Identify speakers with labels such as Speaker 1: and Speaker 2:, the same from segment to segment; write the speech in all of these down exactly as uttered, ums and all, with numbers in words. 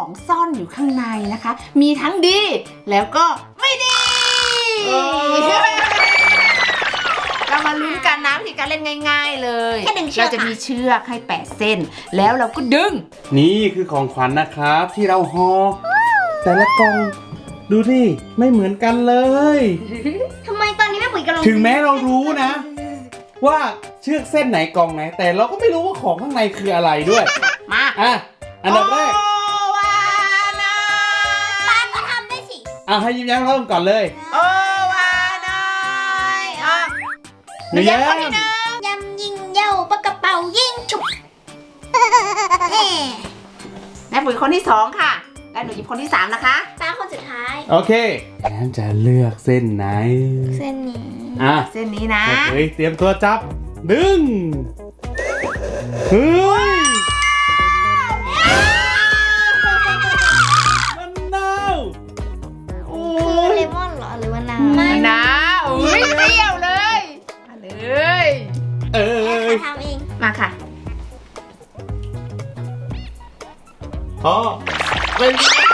Speaker 1: ซ่อนอยู่ข้างในนะคะ มีทั้งดีแล้วก็ไม่ดีเรามาลุ้นกันนะวิธีการเล่นง่ายๆเลยเราจะมีเชือกให้แปดเส้นแล้วเราก็ดึง
Speaker 2: นี่คือของขวัญนะครับที่เราห่อแต่ละกล่องดูดิไม่เหมือนกันเลย
Speaker 3: ทำไมตอนนี้แม่ปุ๋ยกำลัง
Speaker 2: ถึงแม้เรารู้นะว่าเชือกเส้นไหนกล่องไหนแต่เราก็ไม่รู้ว่าของข้างในคืออะไรด้วย
Speaker 1: มา
Speaker 2: อ่ะอันดับแรก
Speaker 1: วานา
Speaker 3: ป้าก็ทำได้สิ
Speaker 2: อ่ะให้ยิ้มแย้มเริ่มก่อนเลย
Speaker 1: โอวานายอ่ะ
Speaker 2: หนูแย้ม
Speaker 3: ยำยิงเย้าปากกระเป๋ายิงฉุบ
Speaker 1: แม่ปุ๋ยคนที่สองค่ะและหนูหยิบคนที่สามนะคะ
Speaker 3: ป้าคนสุดท้าย
Speaker 2: โอเคงั้นจะเลือกเส้นไหน
Speaker 3: เส้นนี้
Speaker 2: อ่ะ
Speaker 1: เส้นนี้นะ
Speaker 2: เฮ้ยเตรียมตัวจับดึงเฮ้ยมันนาวโอ้
Speaker 3: คือเลมอนเหรอหรือว่าน้ำ
Speaker 1: มะนาวอุ้ยเปรี้ยวเลยมาเลย
Speaker 2: เออ
Speaker 3: ทำเอง
Speaker 1: มาค่ะ
Speaker 2: พอเป็น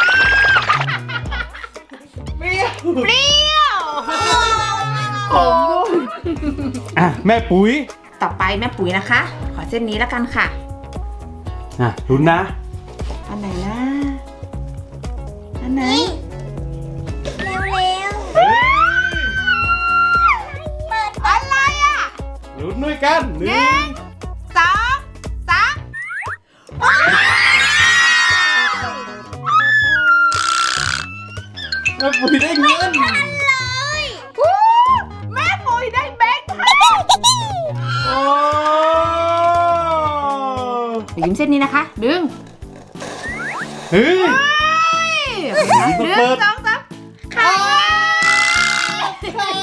Speaker 2: เปรี้ยว
Speaker 1: เปรี้ยว
Speaker 2: ขมอ่ะแม่ปุ๋ย
Speaker 1: ต่อไปแม่ปุ๋ยนะคะขอเส้นนี้แล้วกันค่ะ
Speaker 2: อ่ะลุ้นนะ
Speaker 1: อันไหนนะอันไหน
Speaker 3: เร็วเร็วเปิด
Speaker 1: อะไรอ่ะ
Speaker 2: ลุ้นด้วยกันหนึ่ง
Speaker 1: สองสาม
Speaker 2: แม่ปุ๋ยได้เงิน
Speaker 1: เลยแม่ปุ๋ยได้แบงค์พัน
Speaker 2: โอ้
Speaker 1: ยิ้มเส้นนี้นะคะดึง
Speaker 2: เฮ้ย
Speaker 1: ดึงสองสามไข่
Speaker 3: ไข่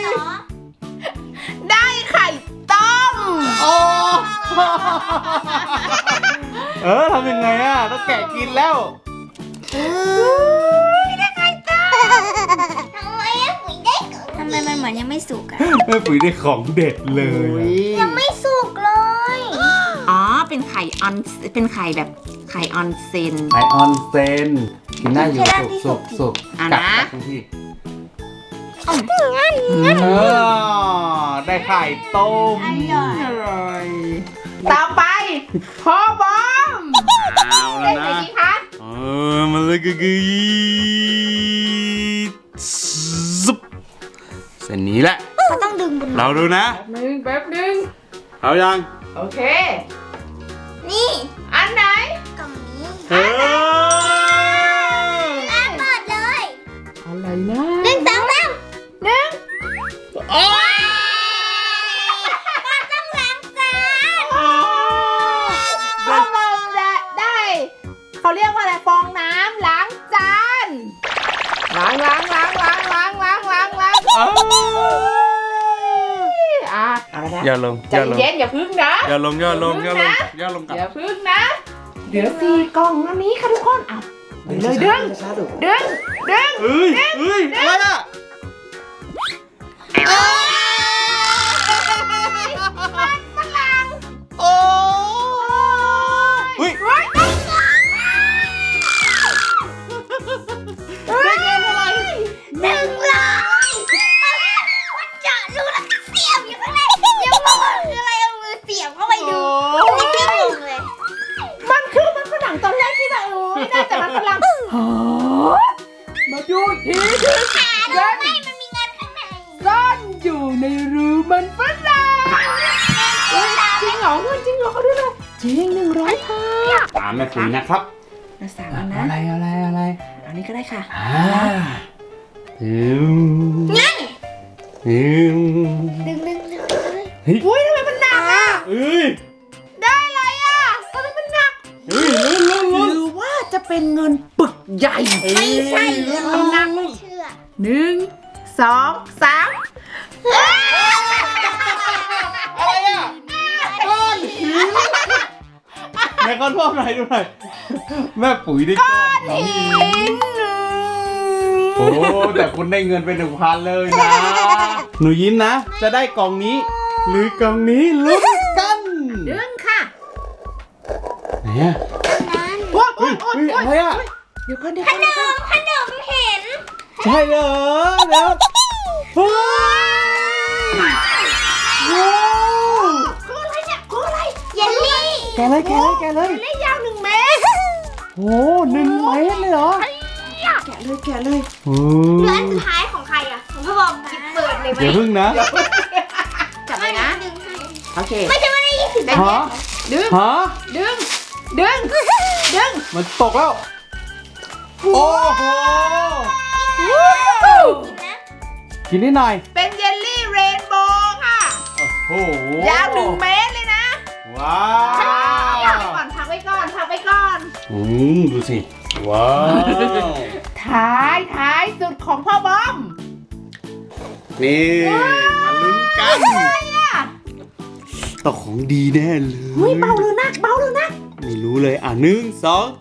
Speaker 1: ได้ไข่ต้ม
Speaker 2: โอ้เออทำยังไงอ่ะต้องแกะกินแล้ว
Speaker 1: ได้ไข่ต้ม
Speaker 3: ทำไมแม่ปุ๋ยได้ทำไมมันเหมือนยังไม่สุกอะ
Speaker 2: แม่ปุ๋ยได้ของเด็ดเลย
Speaker 3: ยังไม่สุกเลย
Speaker 1: อ๋อเป็นไข่ออนเป็นไข่แบบไข่ออนเซน
Speaker 2: ไข่ออนเซนกินได้อยู่สุกสุกสุกกัดกัดที่เออได้ไข่ต้ม
Speaker 1: อร่อยต่อไปพ่อบอม
Speaker 2: เอาแล้วนะเออมันเลยก็คือซุปเส้นนี้แหละ
Speaker 3: เขาต้องดึงบน
Speaker 2: เราดูนะ
Speaker 1: หนึ่งแป๊บหนึ่ง
Speaker 2: เอายัง
Speaker 1: โอเค
Speaker 3: นี่
Speaker 1: อันไหน
Speaker 3: กล่องนี้
Speaker 2: เออ
Speaker 3: เปิดเลย
Speaker 1: อะไรนะ
Speaker 3: หนึ่งสองสาม
Speaker 1: หนึ่งโอ้ย
Speaker 3: ป้าต้องล้างจาน
Speaker 1: พ่อบอมจะได้เขาเรียกว่าอะไรฟองน้ำล้างจานล้างล้างล้างล้างล้างล้างล้างล้างอ่ะเอาละนะ
Speaker 2: อย่าลง
Speaker 1: ใจเย็นอย่าพึ่งนะ
Speaker 2: อย่าลงอย่าลงอย่าลงอย่าลง
Speaker 1: อย่าพึ่งนะเดี๋ยวสี่กล่องแล้วนี้ค่ะทุกคนเอาไปเลยดึงดึงดึง
Speaker 2: เฮ้ยเฮ้ยอะไรอ่ะ
Speaker 1: ฝรั่ง
Speaker 2: โอ้เฮ้ยได้เงินอะไร
Speaker 3: หนึ่งร้อยมันเจาะรูแล้วก็เสียบอยู่ข้างในยังงงคืออะไรเอามือเสียบเข้าไปดูไม่ใช่งงเลย
Speaker 1: มันคือมันฝรั่งตอนแรกที่แบบโอ้ไม่ได้แต่มันฝรั่งมาดูอีกทีนึง
Speaker 3: เงินไม่มันมีเงินข้างใน
Speaker 1: ซ่อนอยู่ในรูมันฝรั่งจริงเหรอจริงเหรอเขาดูเลยจริงหนึ่งร้อยค่ะ
Speaker 2: ตามแม่ปุ๋ยนะครับ
Speaker 1: มาสั่งแล้วนะ
Speaker 2: อะไรอะไรอะไร
Speaker 1: อันนี้ก็ได้ค่ะ
Speaker 2: อ่าดึง
Speaker 3: งั้น
Speaker 2: ดึง
Speaker 3: ดึงดึงดึงเลย
Speaker 1: อุ้ยทำไมมันหนักอ่ะ
Speaker 2: เอ้ย
Speaker 1: ได้อะไรอ่ะทำไมมันหนัก
Speaker 2: เฮ้ยลุ้นลุ้นลุ้น
Speaker 1: หรือว่าจะเป็นเงินปึกใหญ่
Speaker 3: ไม่ใช่
Speaker 1: ลุ้นหนักไม่
Speaker 3: เชื่อ
Speaker 1: หนึ่งสองสาม
Speaker 2: อะไรอ่ะก้อนหินแม่ก้อนพ่อหน่อยดูหน่อยแม่ปุ๋ยได้ก้อนหินโอ้แต่คุณได้เงินไปหนึ่งพันเลยนะหนูยิ้มนะจะได้กล่องนี้หรือกล่องนี้ลุ้นกัน
Speaker 1: ดึงค่ะ
Speaker 2: ไหนอ่ะ
Speaker 3: นั้น
Speaker 2: เฮ้ยเฮ้ยอะไรอ่ะ
Speaker 1: เดี๋ยวก่อนเดี๋ยว
Speaker 3: ข
Speaker 1: ก่อน
Speaker 3: น
Speaker 1: เดี๋ยวก่อน
Speaker 3: มขนมเห็น
Speaker 2: ใช่เหรอเดี๋ยวเฮ้ยโอ้
Speaker 1: คืออะไรเนี่ยคืออะไร
Speaker 3: เยลลี่
Speaker 2: แกะเลยแกะเลยแกะเลย
Speaker 1: เล่ยาวหนึ่งเมตร
Speaker 2: โอ้หนึ่งเมตรเลยเหรอ
Speaker 1: แกะเลยแกะเลย
Speaker 2: โอ้
Speaker 3: เหลืออันสุดท้ายของใครอ่ะของพ่อบอมหยิบเปิดเลยไหม
Speaker 2: เดี๋ยวพึ่งนะ
Speaker 1: จับเลยนะ
Speaker 3: ดึงให้
Speaker 1: โอเค
Speaker 3: ไม่จะไม่ได้ยี่สิบ
Speaker 2: ฮะ
Speaker 1: ดึง
Speaker 2: ฮะ
Speaker 1: ดึงดึงดึง
Speaker 2: มันตกแล้ว โอ้โห
Speaker 3: นะ
Speaker 2: กินได้หน่อย
Speaker 1: เป็นเยลลี่เรนโบว์ค่ะ
Speaker 2: โอ้โห
Speaker 1: ยาวหนึ่งเมตรเลยนะ
Speaker 2: ว้า
Speaker 1: พักไว้ก่อนพักไว้ก่อนพักไว้ก่อน
Speaker 2: อืมดูสิ ว้าว
Speaker 1: ท้ายท้ายสุดของพ่อบอม
Speaker 2: นี่มาลุ้นกัน
Speaker 1: อะไรอ่ะ
Speaker 2: ต้องของดีแน่เลย
Speaker 1: อุ้ยเบาหรือหนักเบาหรือหนัก
Speaker 2: ไม่รู้เลยอ่ะหนึ่งสอง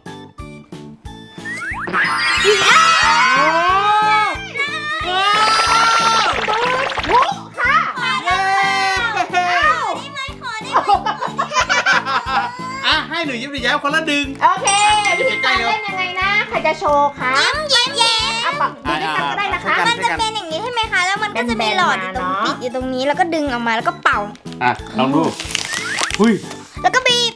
Speaker 2: โอ้
Speaker 1: โอ้ค่ะ
Speaker 2: เย้
Speaker 3: ได้ไหมขอได้ไหม
Speaker 2: อ่ะให้หนูยิ้มหนูแย้มคนละดึง
Speaker 1: โอเควิธีการเล่นยังไงนะ ใครจะโชว์คะ
Speaker 3: ยิ้มแย้ม
Speaker 1: เอาปักดูด้วยกันก็ได้นะคะ
Speaker 3: มันจะเป็นอย่างนี้ใช่ไหมคะ แล้วมันก็จะมีหลอดอยู่ตรงปิดอยู่ตรงนี้ แล้วก็ดึงออกมา แล้วก็เป่า
Speaker 2: อ่ะลองดูหุ้ย
Speaker 3: แล้วก็บีบ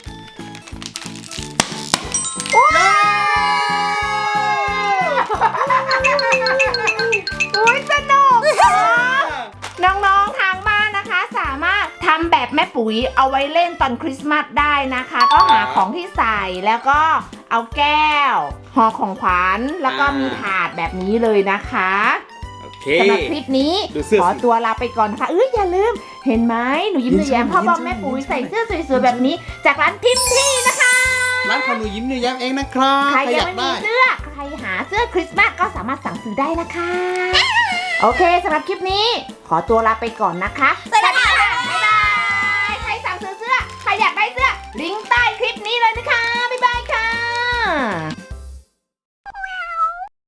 Speaker 1: อุ้ยสนุกน้องๆทางบ้านนะคะ สามารถทำแบบแม่ปุ๋ยเอาไว้เล่นตอนคริสต์มาสได้นะคะ ก็หาของที่ใส่แล้วก็เอาแก้วห่อของขวัญแล้วก็มีถาดแบบนี้เลยนะคะ
Speaker 2: โอเค
Speaker 1: สำหรับคลิปนี้
Speaker 2: ดูเสื้อ
Speaker 1: ขอตัวลาไปก่อนนะคะเอ้ยอย่าลืมเห็นไหมหนูยิ้มหนูแย้มพ่อบอมแม่ปุ๋ยใส่เสื้อสวยๆแบบนี้ จากร้านพิมพ์ที่นะคะ
Speaker 2: ร้านของหนูยิ้มหนูแย้มเองนะครับ
Speaker 1: ใคร
Speaker 2: ใคร
Speaker 1: ยั
Speaker 2: อง ยาก
Speaker 1: ไม่มี
Speaker 2: ได้
Speaker 1: เสื้อ ใครหาเสื้อคริสต์มาสก็สามารถสั่งซื้อได้นะคะ โอเคสำหรับคลิปนี้ ขอตัวลาไปก่อนนะคะ
Speaker 3: สวัสดีค่ะ
Speaker 1: บ๊ายบาย ใครสั่งซื้อเสื้อ ใครอยากได้เสื้อ ลิงก์ใต้คลิปนี้เลยนะคะ บ๊ายบายค่ะ